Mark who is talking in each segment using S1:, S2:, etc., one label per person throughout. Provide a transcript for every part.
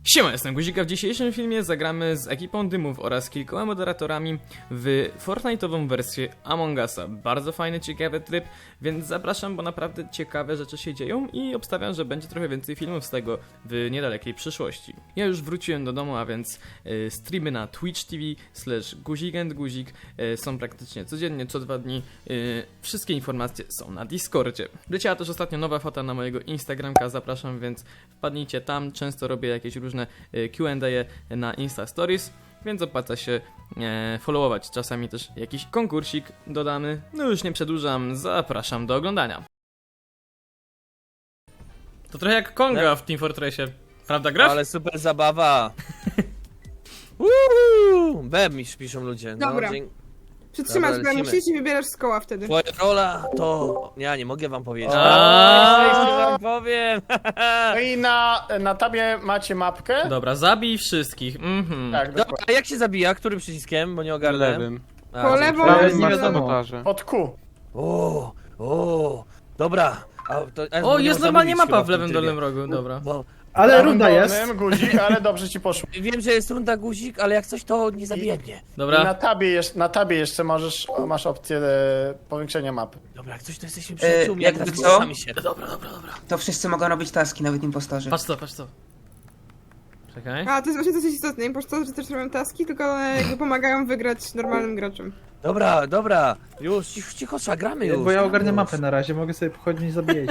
S1: Siema, jestem Guzika. W dzisiejszym filmie zagramy z ekipą Dymów oraz kilkoma moderatorami w Fortnite'ową wersję Among Usa. Bardzo fajny, ciekawy tryb, więc zapraszam, bo naprawdę ciekawe rzeczy się dzieją i obstawiam, że będzie trochę więcej filmów z tego w niedalekiej przyszłości. Ja już wróciłem do domu, a więc streamy na Twitch TV/guzik są praktycznie codziennie, co 2 dni. Wszystkie informacje są na Discordzie. Leciała też ostatnio nowa fota na mojego Instagramka, zapraszam, więc wpadnijcie tam, często robię jakieś różne Q&A na Insta Stories, więc opłaca się followować. Czasami też jakiś konkursik dodamy. No już nie przedłużam, zapraszam do oglądania. To trochę jak Konga w Team Fortressie, prawda Graf?
S2: Ale super zabawa. Bem mi piszą ludzie.
S3: Dobra.
S2: No,
S3: Przytrzymać
S2: Dobra,
S3: go,
S2: lecimy.
S3: musisz i wybierasz z koła wtedy.
S2: twoja rola to... Ja nie mogę wam powiedzieć.
S1: A.
S2: Wam powiem.
S4: No i na tabie macie mapkę.
S1: Dobra, zabij wszystkich.
S4: Tak,
S2: Dobra,
S4: dokładnie.
S2: a jak się zabija? Którym przyciskiem? Bo nie ogarnę.
S5: Lewym.
S2: A,
S3: Po
S2: dzięki.
S3: lewo,
S5: Prawie
S3: lewo,
S5: nie
S3: lewo.
S5: wiadomo sabotaże.
S4: Pod Q.
S2: Dobra.
S1: O, jest normalnie mapa w
S2: tym
S1: lewym
S2: trybie.
S1: dolnym rogu, dobra.
S2: Bo
S6: Ale
S4: Prawym
S6: runda jest.
S4: dolnym Guzik, ale dobrze ci poszło.
S2: wiem, że jest runda guzik, ale jak coś to nie zabije mnie.
S4: I
S1: Dobra.
S4: na tabie jeszcze masz opcję powiększenia mapy.
S2: Dobra, jak coś to jesteśmy przyjaciółmi,
S7: jak
S2: jak
S7: to
S2: zgłaszamy się.
S7: To wszyscy mogą robić taski, nawet impostorzy.
S1: Patrz to. Czekaj.
S3: A, to jest właśnie dosyć istotne, impostorzy też robią taski, tylko one jakby pomagają wygrać normalnym graczom.
S2: Dobra. Już, cicho, gramy już.
S6: Bo ja ogarnię
S2: Już.
S6: mapę na razie, mogę sobie pochodzić i zabijać.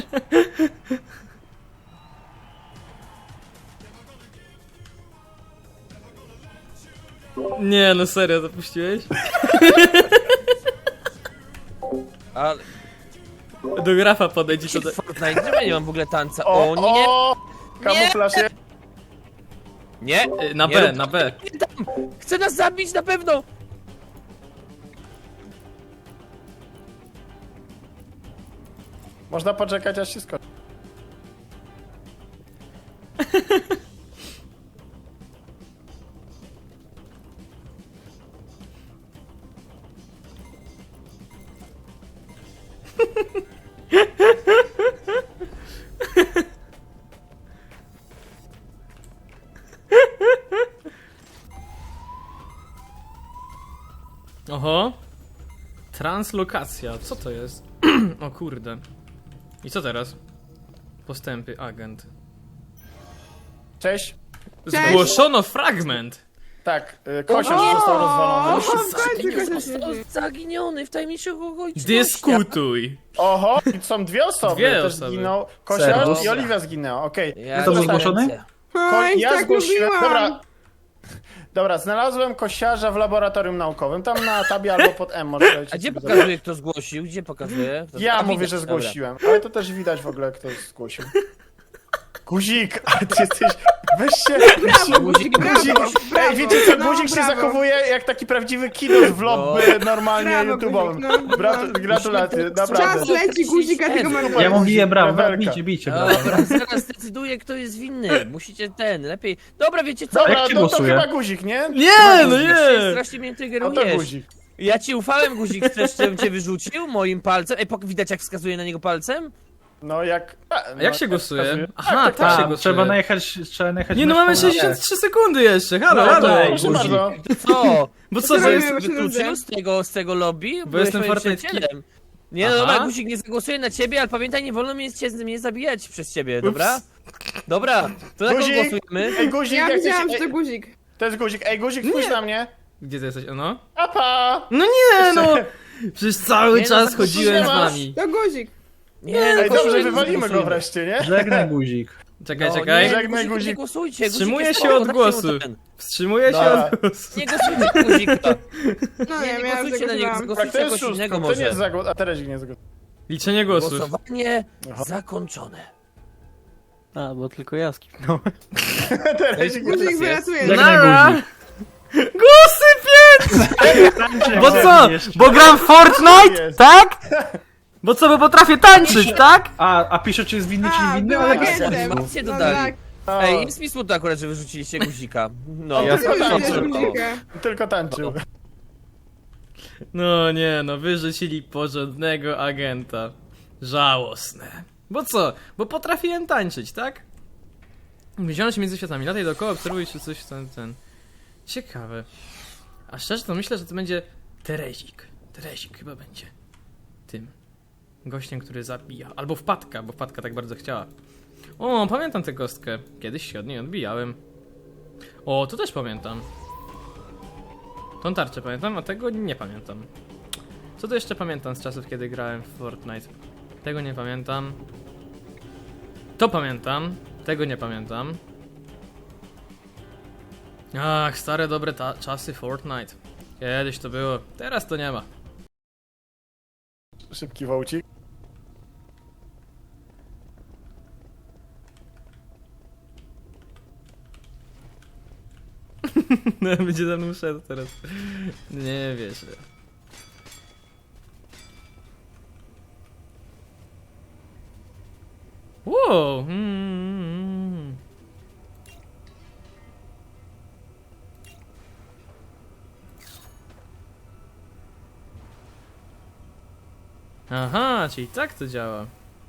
S1: Nie, no serio, zapuściłeś?
S2: Ale...
S1: Do Grafa podejdź i to...
S2: Shit, Fortnite, czemu ja nie mam w ogóle tańca? O nie!
S4: Kamuflaż jest.
S2: Nie!
S1: Na
S2: Nie
S1: B,
S2: rób-
S1: na B.
S2: Nie tam! Chce nas zabić na pewno!
S4: Można poczekać aż się skończy.
S1: Oho. Translokacja, co to jest? O kurde. I co teraz? Postępy, agent.
S4: Cześć.
S3: Cześć.
S1: Zgłoszono fragment!
S4: Tak, kosiarz został rozwalony.
S3: O, w końcu ktoś się
S2: Został
S3: dzieje.
S2: zaginiony w tajemniczych okolicznościach.
S1: Dyskutuj!
S4: Oho, i są dwie osoby.
S1: Dwie
S4: Też
S1: osoby.
S4: zginął kosiarz
S2: Serio?
S4: i Oliwia zginęła, okej.
S2: Ja
S6: To był
S2: zostałem
S6: zgłoszony?
S2: cię.
S3: Oj,
S4: Ja
S3: tak
S4: zgłosiłem.
S3: lubiłam!
S4: Dobra, znalazłem kosiarza w laboratorium naukowym. Tam na tabie albo pod M może lecieć.
S2: A gdzie pokazuje, kto zgłosił? Gdzie pokazuje?
S4: Ja
S2: A,
S4: mówię,
S2: widać,
S4: że
S2: dobra.
S4: zgłosiłem, ale to też widać w ogóle, kto zgłosił. Guzik, ale ty jesteś... Weź się...
S2: Guzik,
S4: Guzik.
S3: brawo,
S4: Ej, wiecie co,
S3: no,
S4: Guzik się
S3: brawo.
S4: zachowuje jak taki prawdziwy kidos w lobby normalnie
S3: Brawo,
S4: YouTube'owym.
S3: Guzik, no, no.
S4: Gratulacje,
S3: Czas
S4: naprawdę.
S3: leci, guzik, a tego
S4: Super.
S3: ma...
S6: Ja mówię brawo,
S4: Rewelka.
S6: bijcie, brawo.
S2: Dobra, zaraz zdecyduję, kto jest winny. Musicie lepiej. Dobra, wiecie co?
S4: Dobra,
S6: Jak się
S4: no to
S6: głosuje?
S4: chyba Guzik, nie?
S1: Nie, no nie!
S2: Strasznie mnie
S4: No to
S2: triggerujesz.
S4: Guzik.
S2: Ja ci ufałem, guzik, chcesz, żebym cię wyrzucił moim palcem? Ej, widać jak wskazuje na niego palcem?
S4: No jak...
S1: A jak się głosuje?
S4: wskazuje.
S1: Aha, tak się głosuje.
S6: Trzeba najechać
S1: Nie no, mamy
S6: myszką na E.
S1: 63 sekundy jeszcze, halo,
S4: No
S1: halo!
S4: to
S6: Ej,
S4: proszę
S6: Guzik.
S4: bardzo.
S2: Co?
S1: Bo co,
S3: Co
S1: że
S3: robimy?
S1: jest...
S3: Właśnie
S2: Wykluczył
S3: ludzie.
S2: z tego lobby?
S1: Bo jestem
S2: Byłeś moim
S1: Fortnite'ki.
S2: przyjacielem. Nie no
S1: Aha.
S2: dobra, guzik, nie zagłosuję na ciebie, ale pamiętaj, nie wolno mnie zabijać przez ciebie, dobra? Dobra, to na kogo
S4: Guzik!
S2: głosujemy?
S4: Ej, Guzik,
S3: Ja
S4: jak
S3: widziałam,
S4: chcesz...
S3: że to guzik.
S4: To jest Guzik. Ej, Guzik, spójrz na mnie.
S1: Gdzie ty jesteś, no?
S4: Apa!
S1: No nie, no! Przecież cały
S2: Nie, no,
S1: czas
S2: tak
S1: chodziłem z
S4: nie masz.
S1: wami.
S3: To guzik.
S2: Nie,
S4: Ej, dobrze,
S2: głosujmy,
S4: wywalimy go
S2: głosujmy.
S4: wreszcie, nie?
S6: Żegnaj guzik.
S1: Czekaj,
S2: No,
S1: czekaj.
S2: Nie,
S4: Żegnaj,
S2: guzik,
S4: guzik.
S2: nie głosujcie, guzik
S1: Wstrzymuję
S2: jest
S1: się
S2: spoko,
S1: od
S2: dajcie mu
S1: głosu.
S2: ten.
S1: Wstrzymuję się
S4: Dobra.
S1: od głosu.
S2: Nie głosujcie guzika.
S3: No
S2: Nie,
S3: nie,
S2: nie
S3: ja już
S2: głosujcie na niego,
S3: zagłosowałam.
S4: Tak,
S2: głosujcie
S4: to jest
S2: jakoś
S4: szóstka,
S2: innego
S4: to nie
S2: może.
S4: jest zagłos... A Terezik nie zagłos...
S1: Liczenie głosów.
S2: Głosowanie
S4: Aha.
S2: zakończone.
S5: A, bo tylko ja skipnąłem.
S4: Terezik nie
S3: Guzik
S2: jest.
S3: wylatuje.
S6: Żegnaj
S1: Nara!
S6: guzik.
S1: Głosy 5! Bo co? Bo gram w Fortnite?
S4: Jest.
S1: Tak? Bo co, bo potrafię tańczyć, tak?
S6: A pisze, czy jest winny, czy nie winny,
S3: był
S6: ale bez
S3: agentem.
S6: sensu.
S2: Animację
S3: No
S2: dodali.
S3: tak.
S4: O,
S2: Ej, jest mi smutno akurat, że wyrzuciliście guzika. No.
S4: Ja
S3: Ty lubisz
S4: tańczył.
S3: guzika.
S4: Tylko tańczył.
S1: No nie, no wyrzucili porządnego agenta. Żałosne. Bo co? Bo potrafiłem tańczyć, tak? Wziąłem się między światami, lataj dookoła, obserwuj czy coś ten. Ciekawe. A szczerze to myślę, że to będzie Terezik. Terezik chyba będzie tym gościem, który zabija. Albo wpadka, bo wpadka tak bardzo chciała. O, pamiętam tę kostkę. Kiedyś się od niej odbijałem. O, to też pamiętam. Tą tarczę pamiętam, a tego nie pamiętam. Co to jeszcze pamiętam z czasów, kiedy grałem w Fortnite? Tego nie pamiętam. To pamiętam. Tego nie pamiętam. Ach, stare dobre czasy Fortnite. Kiedyś to było, teraz to nie ma.
S4: Szybki wołcik.
S1: No, będzie za mną szedł teraz. Nie wiesz. Wow! Aha, czyli tak to działa.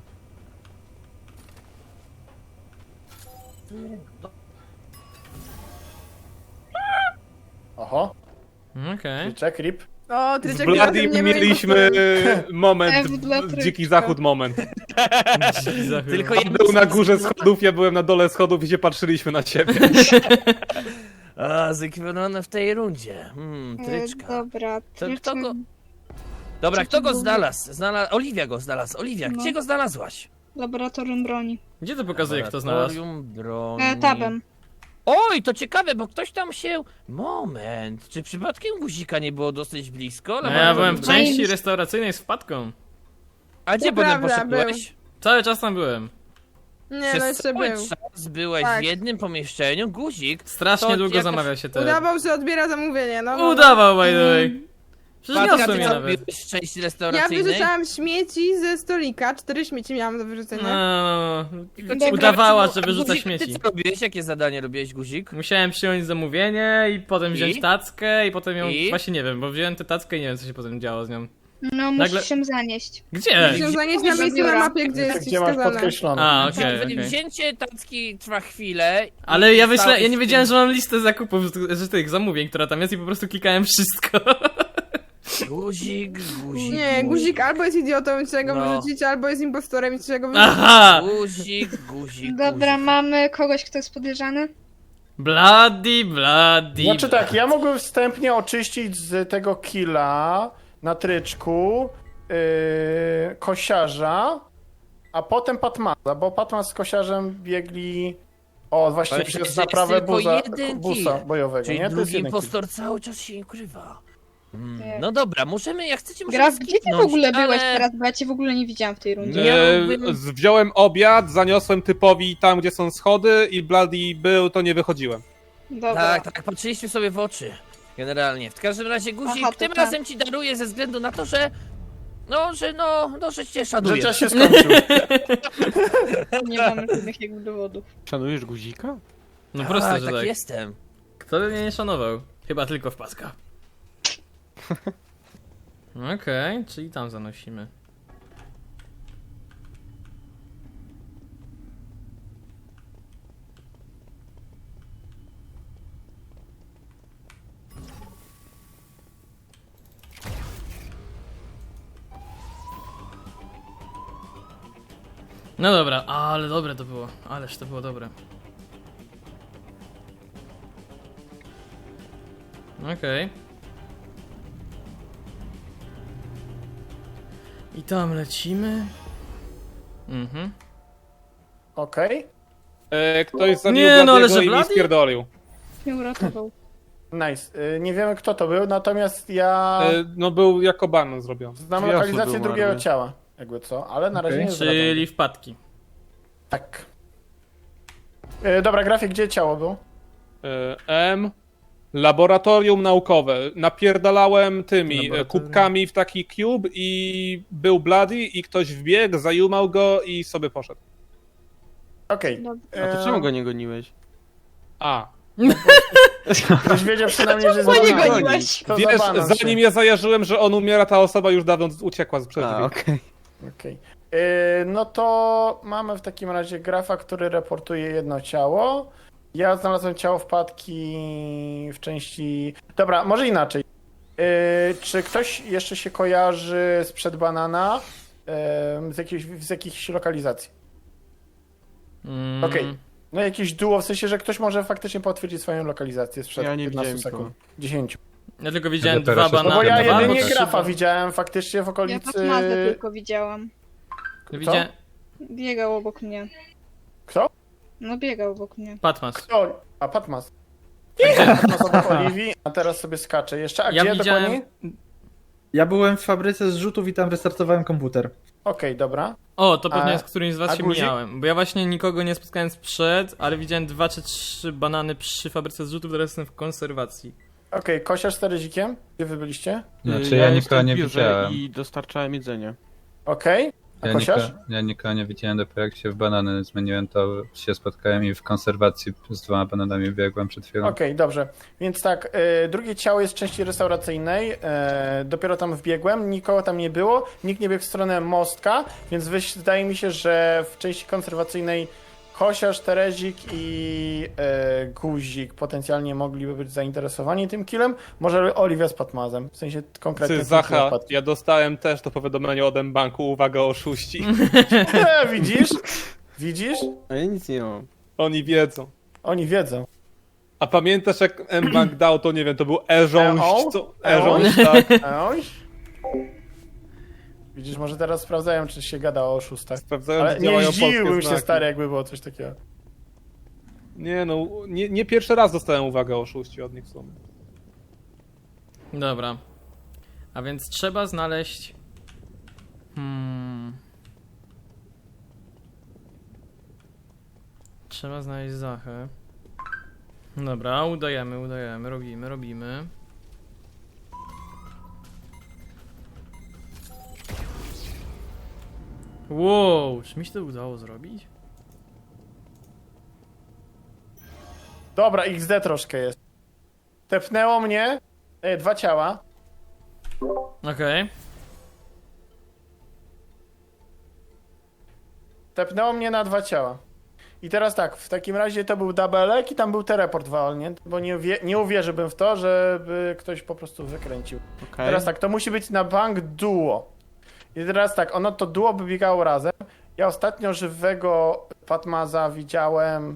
S4: Oho,
S1: Okej.
S4: liczek, rip.
S3: O,
S8: Z
S3: Tryczek
S8: Bladim
S3: nie był
S8: mieliśmy moment,
S3: F dla Tryczka.
S8: dziki zachód moment.
S2: Tylko
S8: On był na górze schodów, ja byłem na dole schodów i się patrzyliśmy na siebie.
S2: A, zekwipowane w tej rundzie. Tryczka.
S9: Dobra,
S2: To kto go... Dobra, kto go znalazł? Oliwia go znalazł. Oliwia,
S9: No.
S2: gdzie go znalazłaś?
S9: Laboratorium broni.
S1: Gdzie to pokazuje, kto znalazł?
S2: Laboratorium broni.
S9: Tabem.
S2: Oj, to ciekawe, bo ktoś tam się... Moment, czy przypadkiem guzika nie było dosyć blisko?
S1: No ja byłem w
S2: Laboratorium
S1: części
S9: James.
S1: restauracyjnej z wpadką.
S2: A gdzie
S3: To
S2: potem
S3: prawda,
S2: poszedłeś?
S1: Cały czas tam byłem.
S3: Nie, no
S2: Przez
S3: jeszcze
S2: cały
S3: był.
S2: czas byłeś
S3: Tak.
S2: w jednym pomieszczeniu, guzik.
S1: Strasznie
S2: To
S1: długo
S2: jakaś-
S1: zamawiał się te...
S3: Udawał, że odbiera zamówienie, no.
S1: Udawał, by the way. Przecież
S2: Patka,
S1: niosłem
S2: ty
S1: je
S2: co
S1: nawet.
S2: robiłeś w części
S3: Ja
S2: restauracyjnej?
S3: wyrzucałam śmieci ze stolika, 4 śmieci miałam do
S1: No,
S3: wyrzucenia.
S2: Tylko
S1: udawała, że
S2: ciekawe,
S1: wyrzuca
S2: guzik,
S1: śmieci.
S2: Ty co robiłeś? Jakie zadanie robiłeś, guzik?
S1: Musiałem przyjąć zamówienie i potem wziąć
S2: I?
S1: tackę i potem ją...
S2: I?
S1: Właśnie nie wiem, bo wziąłem tę tackę i nie wiem, co się potem działo z nią.
S9: No,
S1: Nagle-
S9: musisz się zanieść.
S1: Gdzie?
S3: Musisz zanieść na miejsce na mapie, gdzie jest ci
S4: Gdzie masz
S3: wskazane.
S4: podkreślone.
S1: A,
S2: Tak,
S1: okej, okej.
S2: Wzięcie tacki trwa chwilę.
S1: Ale
S2: i
S1: ja
S2: stałeś
S1: nie
S2: w
S1: wiedziałem,
S2: tym-
S1: że mam listę zakupów, że tych zamówień, która tam jest i po prostu klikałem wszystko.
S2: Guzik.
S3: Nie, guzik albo jest idiotą i trzeba go
S2: No.
S3: wyrzucić, albo jest impostorem i trzeba go wyrzucić.
S1: Aha!
S2: Guzik.
S9: Dobra, mamy kogoś, kto jest podejrzany?
S1: Bloody.
S4: Znaczy tak, ja mogłem wstępnie oczyścić z tego killa na tryczku kosiarza, a potem Patmaza, bo Patmaz z kosiarzem biegli właśnie
S2: Ale
S4: przez
S2: przecież
S4: naprawę
S2: jest tylko
S4: busa
S2: jeden
S4: bojowego,
S2: Czyli
S4: nie? To jest
S2: drugi
S4: jeden kill.
S2: impostor cały czas się ukrywa.
S9: Tak.
S2: No dobra, możemy, jak chcecie, możemy
S9: Graf, gdzie ty w
S2: skipnąć,
S9: ogóle byłeś
S2: ale-
S9: teraz? Bo ja cię w ogóle nie widziałam w tej rundzie.
S2: Nie,
S8: Wziąłem obiad, zaniosłem typowi tam, gdzie są schody i Bloody był, to nie wychodziłem.
S9: Dobra.
S2: Tak, patrzyliśmy sobie w oczy. Generalnie. W każdym razie, guzik,
S9: Aha, to
S2: tym
S9: tak.
S2: razem ci daruję ze względu na to, że... że cię
S4: Że
S2: szanuję.
S4: czas się skończył.
S9: Nie mamy żadnych jakby dowodów.
S5: Szanujesz guzika?
S1: No proste, że
S2: tak
S1: tak.
S2: jestem.
S1: Kto by mnie nie szanował? Chyba tylko wpadka. Okej, czyli tam zanosimy. No dobra, ale dobre to było. Ależ to było dobre. Okej. I tam lecimy. Mhm.
S4: Okej,
S8: Ktoś zabił
S1: Nie, no, ale
S8: Bladiego
S1: że
S8: i mi
S1: Bloody?
S8: spierdolił.
S9: Nie uratował.
S4: nice. Nie wiemy kto to był, natomiast ja
S8: No był jako banan zrobiony.
S4: znam
S5: dwie
S4: lokalizację
S5: osoby
S4: drugiego
S5: umarły.
S4: ciała, jakby co, ale na razie
S8: Okej.
S4: nie zdradzam.
S1: Czyli wpadki.
S4: Tak. Dobra, grafik, gdzie ciało było?
S8: Laboratorium naukowe. Napierdalałem tymi
S1: Laboratorium.
S8: kubkami w taki cube i był Bloody i ktoś wbiegł, zajumał go i sobie poszedł.
S4: Okej.
S5: A to czemu go nie goniłeś?
S4: Ktoś wiedział przynajmniej, że jest
S9: Bo nie
S4: banan.
S9: goniłeś.
S4: To
S8: Wiesz,
S4: za banan
S8: zanim
S4: się.
S8: ja zajarzyłem, że on umiera, ta osoba już dawno uciekła przed
S5: A,
S8: drzwi.
S5: okej.
S4: Okej. No to mamy w takim razie grafa, który reportuje jedno ciało. Ja znalazłem ciało wpadki w części... Dobra, może inaczej. Czy ktoś jeszcze się kojarzy sprzed banana z jakichś lokalizacji? Okej. No jakieś duo, w sensie, że ktoś może faktycznie potwierdzić swoją lokalizację sprzed
S5: Ja nie
S4: 15
S5: widziałem
S4: sekund. 10.
S1: Ja tylko widziałem
S10: Ja teraz
S1: dwa
S10: jeszcze-
S4: No bo
S1: banany.
S4: ja
S1: dwa
S4: jedynie
S1: albo trzy
S4: grafa widziałem faktycznie w
S9: Ja
S4: okolicy...
S9: Fatmazę tylko widziałam.
S1: Widziałem...
S9: Biegał obok mnie.
S4: Kto?
S9: No biegał obok mnie.
S1: Patmas.
S4: Kto? A, Patmas. Patmas obok Oliwii, a teraz sobie skacze jeszcze. A
S1: Ja
S4: gdzie
S1: widziałem...
S4: dokładnie?
S6: Ja byłem w fabryce zrzutów i tam restartowałem komputer.
S4: Okej, dobra.
S1: O, to pewnie
S4: A-
S1: z którymś z was
S4: a
S1: się
S4: guzik?
S1: mijałem. Bo ja właśnie nikogo nie spotkałem sprzed, ale widziałem 2 czy 3 banany przy fabryce zrzutów, teraz jestem w konserwacji.
S4: Okej, Kosiarz z Terezikiem? Gdzie wy byliście?
S10: Znaczy ja
S5: jestem
S10: nikogo
S5: w
S10: nie
S5: biurze
S10: widziałem.
S5: i dostarczałem jedzenie.
S4: Okej. A Kosiarz?
S10: Ja nikogo nie widziałem, dopiero jak się w banany zmieniłem, to się spotkałem i w konserwacji z 2 bananami biegłem przed chwilą.
S4: Okej, dobrze. Więc tak, drugie ciało jest w części restauracyjnej. Dopiero tam wbiegłem, nikogo tam nie było, nikt nie biegł w stronę mostka, więc wydaje mi się, że w części konserwacyjnej Kosiarz, Terezik i Guzik potencjalnie mogliby być zainteresowani tym killem. Może Oliwia z Patmazem, w sensie konkretnie.
S8: Ty,
S4: tym killem
S8: Zacha,
S4: wpadki.
S8: ja dostałem też to powiadomienie od M-Banku, uwaga, oszuści.
S4: Widzisz? Widzisz?
S5: A ja nic nie mam.
S8: Oni wiedzą.
S4: Oni wiedzą.
S8: A pamiętasz jak M-Bank dał to, nie wiem, to był Erząść, co?
S4: Erząść?
S8: Erząść, tak.
S4: Oj. Widzisz, może teraz sprawdzają, czy się gada o oszustach.
S8: Sprawdzają,
S4: Ale
S8: czy
S4: nie
S8: działają
S4: zdziwiłbym
S8: polskie
S4: się,
S8: znaki.
S4: stary, jakby było coś takiego.
S8: Nie no, nie pierwszy raz dostałem uwagę oszuści od nich w sumie.
S1: Dobra. A więc trzeba znaleźć... Trzeba znaleźć Zachę. Dobra, udajemy, robimy. Wow, czy mi się to udało zrobić?
S4: Dobra, XD troszkę jest. Tepnęło mnie 2 ciała.
S1: Okej.
S4: Tepnęło mnie na 2 ciała. I teraz tak, w takim razie to był doublek i tam był teleport walnięty, bo nie uwierzyłbym w to, żeby ktoś po prostu wykręcił.
S5: Okej.
S4: Teraz tak, to musi być na bank duo. I teraz tak, ono to duo by biegało razem. Ja ostatnio żywego Patmaza widziałem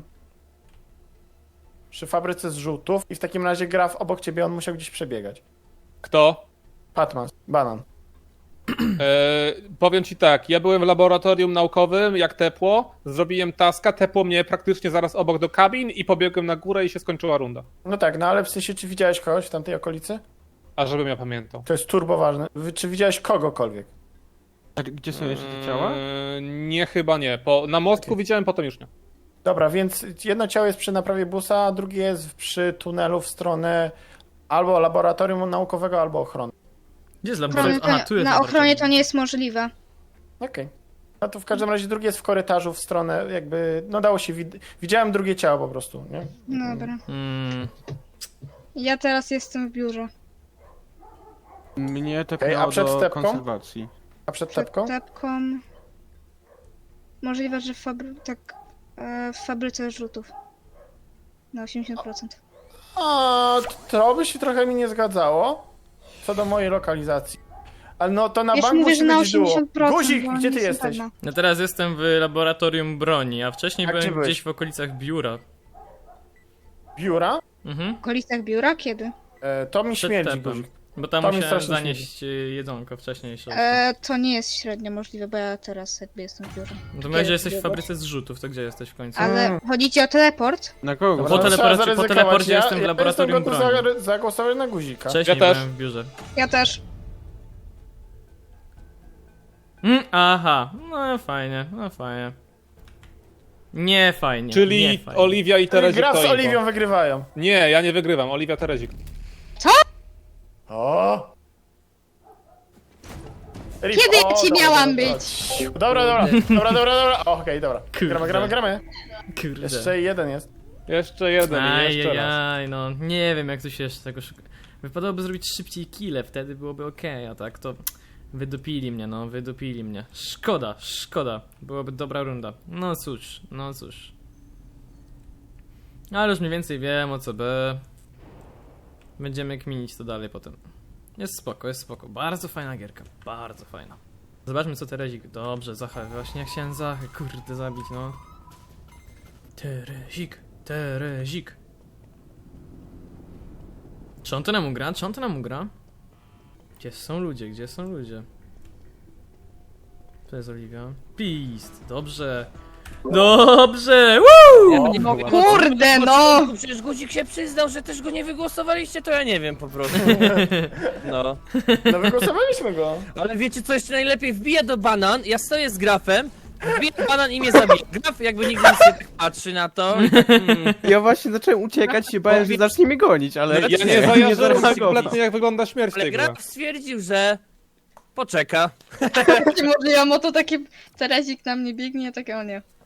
S4: przy fabryce zrzutów i w takim razie graf obok ciebie, on musiał gdzieś przebiegać.
S8: Kto?
S4: Patmaz, banan.
S8: Powiem ci tak, ja byłem w laboratorium naukowym, jak tepło, zrobiłem taska, tepło mnie praktycznie zaraz obok do kabin i pobiegłem na górę i się skończyła runda.
S4: No tak, no ale w sensie, czy widziałeś kogoś w tamtej okolicy?
S8: A żebym ja pamiętał.
S4: To jest turbo ważne. Czy widziałeś kogokolwiek?
S5: A gdzie są jeszcze te ciała?
S8: Nie, chyba nie. Na mostku widziałem, potem już nie.
S4: Dobra, więc jedno ciało jest przy naprawie busa, a drugie jest przy tunelu w stronę albo laboratorium naukowego, albo ochrony.
S1: Gdzie jest
S9: Ochronie
S1: laboratorium? Aha, tu jest
S9: na ochronie to
S1: laboratorium.
S9: nie jest możliwe.
S4: Okej. No to w każdym razie drugie jest w korytarzu w stronę jakby, no dało się, widziałem drugie ciało po prostu, nie?
S9: Dobra.
S5: Ja
S9: teraz jestem w biurze.
S5: Mnie
S4: a
S5: tepnęło
S4: przed
S5: do
S4: stepką?
S5: konserwacji.
S4: A przed
S9: Przed
S4: tepką?
S9: tepką. Możliwe, że w fabryce rzutów. Na 80%.
S4: A to by się trochę mi nie zgadzało, co do mojej lokalizacji. Ale no to na
S9: Wiesz,
S4: bank
S9: mówię,
S4: musi
S9: że na
S4: być duo.
S9: 80%.
S4: Guzik,
S9: bo
S4: gdzie
S9: nie
S4: ty
S9: jestem
S4: jesteś?
S9: pewna.
S1: No teraz jestem w laboratorium broni, a wcześniej
S4: A gdzie
S1: byłem
S4: byłeś?
S1: gdzieś w okolicach biura.
S4: Biura?
S1: Mhm.
S9: W okolicach biura? Kiedy?
S4: To mi
S1: Przed
S4: śmierdzi,
S1: tempem.
S4: guzik.
S1: Bo tam
S4: To mi
S1: musiałem
S4: strasznie
S1: zanieść jedzonko wcześniejsze.
S9: To nie jest średnio możliwe, bo ja teraz jakby jestem w biurze.
S1: No to jak
S9: kiedy
S1: jesteś w
S9: biegłeś?
S1: fabryce zrzutów, to gdzie jesteś w końcu?
S9: Ale chodzi ci o teleport?
S5: Na kogo?
S4: Dobra,
S1: Po
S4: no
S1: teleporcie-
S4: trzeba
S1: po
S4: zaryzykować.
S1: teleporcie jestem w laboratorium
S4: jestem gotów
S1: broni.
S4: zagłosować na guzika.
S1: Wcześniej
S8: Ja też.
S1: byłem w biurze.
S9: Ja też.
S1: Aha, no fajnie. Nie fajnie.
S8: Czyli
S1: nie fajnie.
S8: Oliwia i Terezik
S4: Gra
S8: to
S4: z
S8: info.
S4: Oliwią wygrywają.
S8: Nie, ja nie wygrywam, Oliwia Terezik.
S4: O!
S9: Kiedy ja ci miałam być?
S4: Dobra. Okej, dobra.
S1: Kurde.
S4: Gramy.
S1: Kurde.
S4: Jeszcze jeden jest.
S8: Jeszcze jeden i jeszcze raz.
S1: Ajajaj, no nie wiem jak tu się jeszcze tego szuka. Wypadałoby zrobić szybciej kile, wtedy byłoby okej, a tak to Wydupili mnie, no, wydupili mnie. Szkoda, szkoda. Byłaby dobra runda. No cóż, no cóż. Ale już mniej więcej wiem o co by. Będziemy kminić to dalej potem. Jest spoko, jest spoko. Bardzo fajna gierka, bardzo fajna. Zobaczmy co Terezik. Dobrze, Zachę, właśnie jak chciałem Zachę, kurde, zabić, no. Terezik, Terezik. Czy on to nam ugra? Czy on to nam ugra? Gdzie są ludzie? Gdzie są ludzie? To jest Oliwia. Pist, dobrze. Dobrze! Woo!
S2: Nie mogę.
S9: Kurde, no!
S2: Przecież Guzik się przyznał, że też go nie wygłosowaliście, to ja nie wiem po prostu. No.
S4: No wygłosowaliśmy go.
S2: Ale wiecie co jeszcze najlepiej? Wbija do banan, ja stoję z grafem, wbija banan i mnie zabije. Graf jakby nigdy nie tak patrzy na to. I tak,
S5: Ja właśnie zacząłem uciekać, się bałem, że zacznie mnie gonić, ale
S8: Ja nie zajarzyłem
S5: zareagował.
S8: kompletnie jak wygląda śmierć
S2: Ale
S8: tej gry.
S2: graf stwierdził, że poczeka.
S9: Może ja mo to takie Terezik na mnie biegnie, takie o nie.